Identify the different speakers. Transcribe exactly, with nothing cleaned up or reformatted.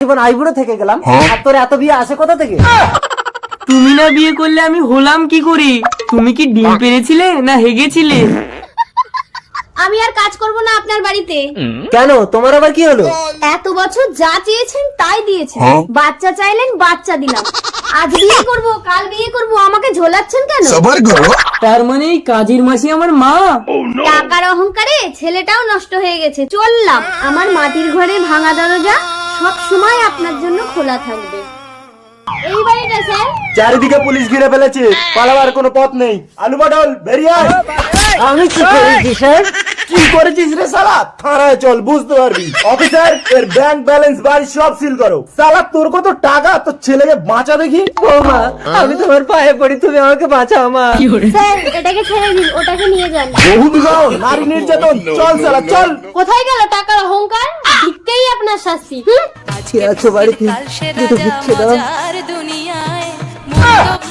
Speaker 1: জীবন আইবুড়ো থেকে গেলাম, আর তোর এত বিয়ে আসে কোথা থেকে?
Speaker 2: তুমি না বিয়ে করলে আমি হলাম কি করে? তুমি কি ডিম পেরেছিলে না হেগেছিলে?
Speaker 3: আমি আর কাজ করব না আপনার বাড়িতে।
Speaker 1: কেন, তোমার আবার কি হলো?
Speaker 3: এত বছর যা চেয়েছেন তাই দিয়েছেন, বাচ্চা চাইলেন বাচ্চা দিলাম, আজ বিয়ে করব কাল বিয়ে করব, আমাকে ঝোলাচ্ছেন কেন?
Speaker 4: সবার করো।
Speaker 2: তার মানে এই কাজের মাসি আমার মা?
Speaker 3: টাকার অহংকারে ছেলেটাও নষ্ট হয়ে গেছে, চললাম। আমার মাটির ঘরে ভাঙা দরজা সব সময় আপনার জন্য খোলা থাকবে। এই বাড়িটা স্যার।
Speaker 1: চারিদিকে পুলিশ ঘিরে ফেলেছে, পালাবার কোনো পথ নেই। আলু পটল বেরিয়ে আয়। আমি কি করেছি স্যার? কি করেছিস রে শালা? থানায় চল, বুঝতে পারবি। অফিসার, এর ব্যাংক ব্যালেন্স বাড়ি সব সিল করো। শালা তোর কত টাকা, তোর ছেলেকে বাঁচা দেখি। ও মা, আমি তোমার পায়ে পড়ি, তুমি আমাকে বাঁচাও মা।
Speaker 3: স্যার এটাকে ছেড়ে দিন, ওটাকে নিয়ে যান।
Speaker 1: বহু বিবাহ, নারী নির্যাতন, চল শালা চল।
Speaker 3: কোথায় গেল টাকার অহংকার? ভিক্ষেই আপনার শাস্তি। হুম?
Speaker 1: কে আছো বাড়িতে? দুটো ভিক্ষে দাও।
Speaker 5: দুনিয়ায়